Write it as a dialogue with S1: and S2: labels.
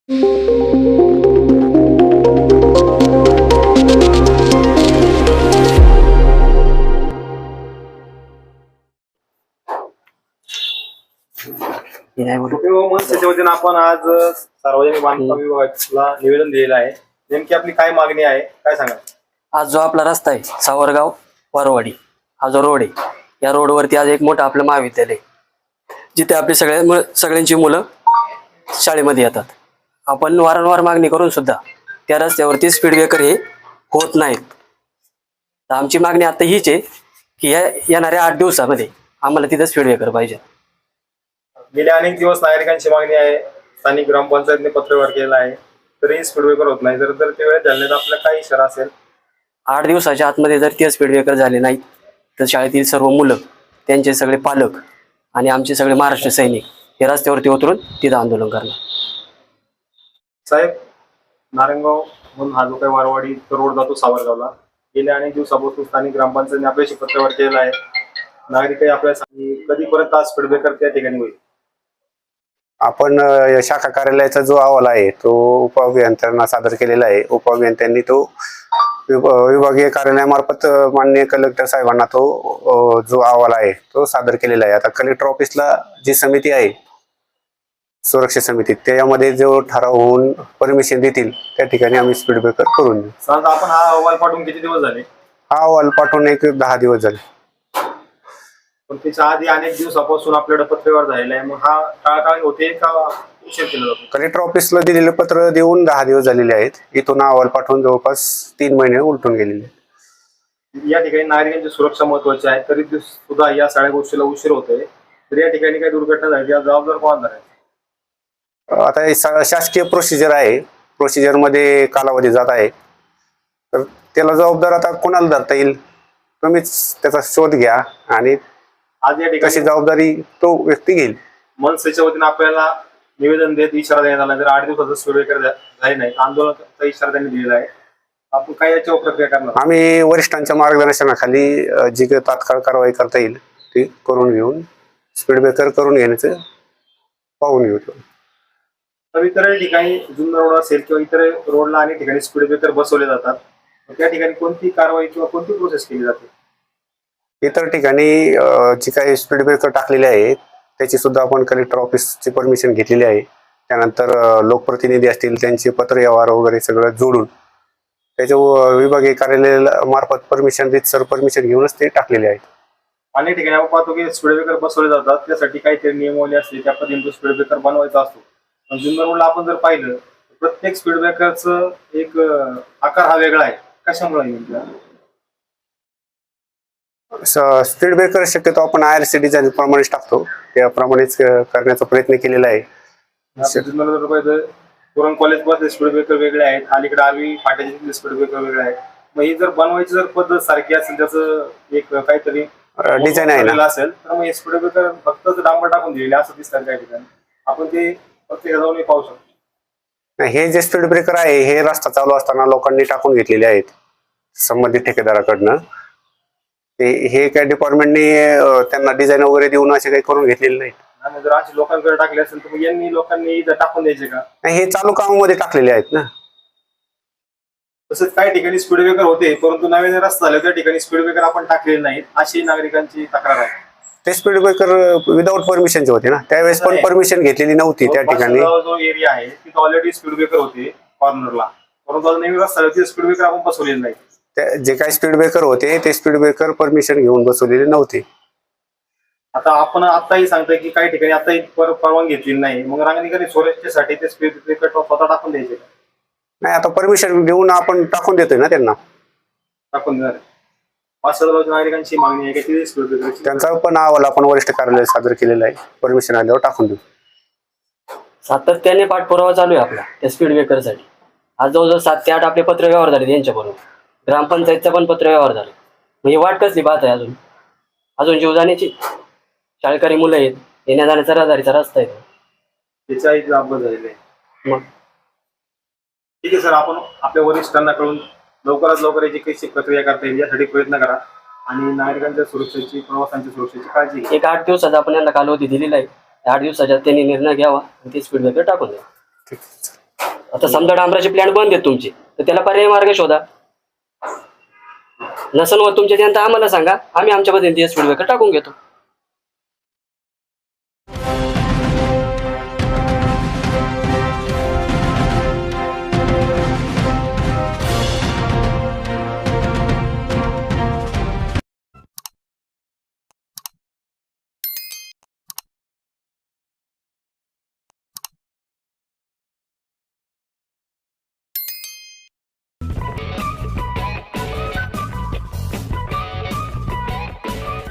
S1: त्याच्या वतीनं आपण आज सार्वजनिक बांधकाम विभागाला निवेदन दिलेलं आहे. नेमकी आपली काय मागणी आहे, काय सांगा?
S2: आज जो आपला रस्ता आहे सावरगाव वारवाडी, हा जो रोड आहे, या रोडवरती आज एक मोठं आपलं महाविद्यालय, जिथे आपली सगळ्यांची मुलं शाळेमध्ये येतात. आपण वारंवार मागणी करून सुद्धा त्या रस्त्यावरती स्पीड ब्रेकर हे होत नाहीत. तर आमची मागणी आता हीच आहे की या येणाऱ्या 8 दिवसामध्ये आम्हाला तिथं स्पीड ब्रेकर पाहिजे.
S1: गेल्या अनेक दिवस नागरिकांची मागणी आहे. स्थानिक ग्रामपंचायतने पत्रव्यवहार केला आहे, तरीही स्पीड ब्रेकर होत नाही. जर ते वेळेत झाले तर आपला काय इशारा असेल?
S2: 8 दिवसाच्या आतमध्ये जर ते स्पीड ब्रेकर झाले नाहीत तर शाळेतील सर्व मुलं, त्यांचे सगळे पालक आणि आमचे सगळे महाराष्ट्र सैनिक हे रस्त्यावरती उतरून तिथं आंदोलन करणार.
S1: साहेब, नारायणगाव म्हणून हा जो काही वारवाडी रोड जातो सावरगावला, गेल्या अनेक दिवसापासून स्थानिक ग्रामपंचायतने आपल्याशी पत्रव्यवहार केलेला आहे. नागरिकही आपल्याला कधीपर्यंत स्पीड ब्रेकर त्या ठिकाणी होईल?
S3: आपण शाखा कार्यालयाचा जो अहवाल आहे तो उपअभियंत्यांना सादर केलेला आहे. उपअभियंत्यांनी तो विभागीय कार्यालयामार्फत माननीय कलेक्टर साहेबांना तो जो अहवाल आहे तो सादर केलेला आहे. आता कलेक्टर ऑफिसला जी समिती आहे, सुरक्षा समिती, त्यामध्ये जो ठराव होऊन परमिशन देतील त्या ठिकाणी आम्ही स्पीड ब्रेकर करून देऊ.
S1: आपण हा अहवाल पाठवून किती दिवस झाले?
S3: हा अहवाल पाठवून एक 10 दिवस झाले.
S1: पण त्याच्या आधी अनेक दिवसापासून आपल्याकडे पत्रव्यवहार झालेला आहे. मग हा टाळाटाळ होते का उशीर केला जातो?
S3: कलेक्टर ऑफिसला दिलेलं पत्र देऊन 10 दिवस झालेले आहेत. इथून अहवाल पाठवून जवळपास 3 महिने उलटून गेलेले.
S1: या ठिकाणी नागरिकांची सुरक्षा महत्वाची आहे, तरी सुद्धा या सगळ्या गोष्टीला उशीर होतोय. तर या ठिकाणी काही दुर्घटना झाली, या जबाबदार कोण आहे?
S3: आता शासकीय प्रोसिजर आहे, प्रोसिजर मध्ये कालावधी जात आहे, तर त्याला जबाबदार आता कोणाला धरता येईल? तुम्हीच त्याचा शोध घ्या आणि
S1: आज या ठिकाणी
S3: जबाबदारी तो व्यक्ती घेईल.
S1: मनसेच्या वतीने आपल्याला निवेदन देत इशारा देण्यात आला, जर 8 दिवसाचा स्पीड ब्रेकर झाले नाही आंदोलनाचा इशारा त्यांनी दिलेला आहे. आपण काय याच्यावर प्रक्रिया करणार?
S3: आम्ही वरिष्ठांच्या मार्गदर्शनाखाली जी काही तात्काळ कारवाई करता येईल ती करून घेऊन स्पीड ब्रेकर करून घेण्याचं पाहून घेऊ.
S1: तर इतर ठिकाणी जुन्नर रोड असेल किंवा इतर रोडला अनेक ठिकाणी स्पीड ब्रेकर बसवले जातात, त्या ठिकाणी कोणती कारवाई किंवा कोणती प्रोसेस केली जाते?
S3: इतर ठिकाणी जी काही स्पीड ब्रेकर टाकलेले आहेत त्याची सुद्धा आपण कलेक्टर ऑफिसची परमिशन घेतलेली आहे. त्यानंतर लोकप्रतिनिधी असतील त्यांचे पत्र व्यवहार वगैरे सगळं जोडून त्याच्या विभागीय कार्यालयाला मार्फत परमिशन घेऊनच ते टाकलेले आहेत.
S1: अनेक ठिकाणी आपण पाहतो की स्पीड ब्रेकर बसवले जातात, त्यासाठी काहीतरी नियमावली असते, त्या पद्धतीने स्पीड ब्रेकर बनवायचा असतो. पण जुन्नर रोडला आपण जर पाहिलं प्रत्येक स्पीड ब्रेकरचं एक आकार हा वेगळा आहे. कशामुळे?
S3: स्पीड ब्रेकर शक्यतो आपण IRC डिझाईन प्रमाणेच टाकतो, त्याप्रमाणेच करण्याचा प्रयत्न केलेला आहे.
S1: पुरण कॉलेज मध्ये स्पीड ब्रेकर वेगळे आहेत, अलीकडे आर्वी फाट्याचे स्पीड ब्रेकर वेगळे आहेत. मग ही जर बनवायची जर पद्धत सारखी असेल, त्याचं एक काहीतरी
S3: डिझाईन आहे
S1: असेल, तर मग स्पीड ब्रेकर फक्त डांबर टाकून दिलेले असं दिसतात काही ठिकाणी. आपण ते प्रत्येक जाऊन पाहू शकतो.
S3: हे जे स्पीड ब्रेकर आहे हे रस्ता चालू असताना लोकांनी टाकून घेतलेले आहेत संबंधित ठेकेदाराकडनं. हे काय डिपार्टमेंटने त्यांना डिझाईन वगैरे देऊन असे काही करून घेतलेले नाहीत.
S1: जर अशी लोकांकडे टाकले असेल तर यांनी लोकांनी टाकून द्यायचे का?
S3: हे चालू कामामध्ये टाकलेले आहेत ना.
S1: तसंच काही ठिकाणी स्पीड ब्रेकर होते, परंतु नवीन रस्ता झाले त्या ठिकाणी स्पीड ब्रेकर आपण टाकलेले नाहीत, अशी नागरिकांची तक्रार आहे.
S3: ते स्पीड ब्रेकर विदाऊट परमिशनचे होते ना, त्यावेळेस पण परमिशन घेतलेली नव्हती त्या ठिकाणी.
S1: जो एरिया आहे तिथे ऑलरेडी स्पीड ब्रेकर होते कॉर्नरला, परंतु नवीन रस्ता झाला स्पीड ब्रेकर आपण बसवलेले नाही.
S3: जे काही स्पीड ब्रेकर होते ते स्पीड ब्रेकर परमिशन घेऊन बसवलेले नव्हते.
S1: आता आपण आताही सांगतोय की काही ठिकाणी आताही परवानगी घेतली नाही, मग नागरिकांनी सुरक्षेसाठी ते स्पीड ब्रेकर स्वतः टाकून द्यायचे का?
S3: नाही, आता परमिशन घेऊन आपण टाकून देतोय ना त्यांना.
S1: टाकून देणार. 5,000 नागरिकांची मागणी आहे की स्पीड ब्रेकर,
S3: त्यांचा पण अहवाल आपण वरिष्ठ कार्यालयात सादर केलेला आहे, परमिशन आल्यावर टाकून देऊ.
S2: सातत्याने पाठपुरावा चालू आहे आपला त्या स्पीड ब्रेकरसाठी. आज जवळजवळ 7 ते 8 आपले पत्र व्यवहार झाले त्यांच्याबरोबर, ग्रामपंचायतचा पण पत्र व्यवहार झाला. म्हणजे वाट कसली पाहत आहे अजून जीव जाण्याची. शाळकरी मुलं आहेत, येण्या जाण्याचा रहदारीचा रस्ता आहे,
S1: त्याचाही अपघात झालेला आहे. मग ठीक आहे सर, आपण आपल्या वरिष्ठांना कळून लवकरात लवकर याची कशी प्रक्रिया करता येईल यासाठी प्रयत्न करा आणि नागरिकांच्या सुरक्षेची, प्रवासांच्या सुरक्षेची काळजी घ्या.
S2: एक 8 दिवसाचा आपण यांना कालावधी दिलेला आहे. 8 दिवसाच्या त्यांनी निर्णय घ्यावा आणि ते स्पीड ब्रेकर टाकून द्या. आता समजा डांबराचे प्लॅन बंद आहेत तुमचे, तर त्याला पर्यायी मार्ग शोधा. नसन व तुमच्या त्यांना आम्हाला सांगा, आम्ही आमच्या पद्धतीने स्पीड ब्रेकर टाकून घेतो.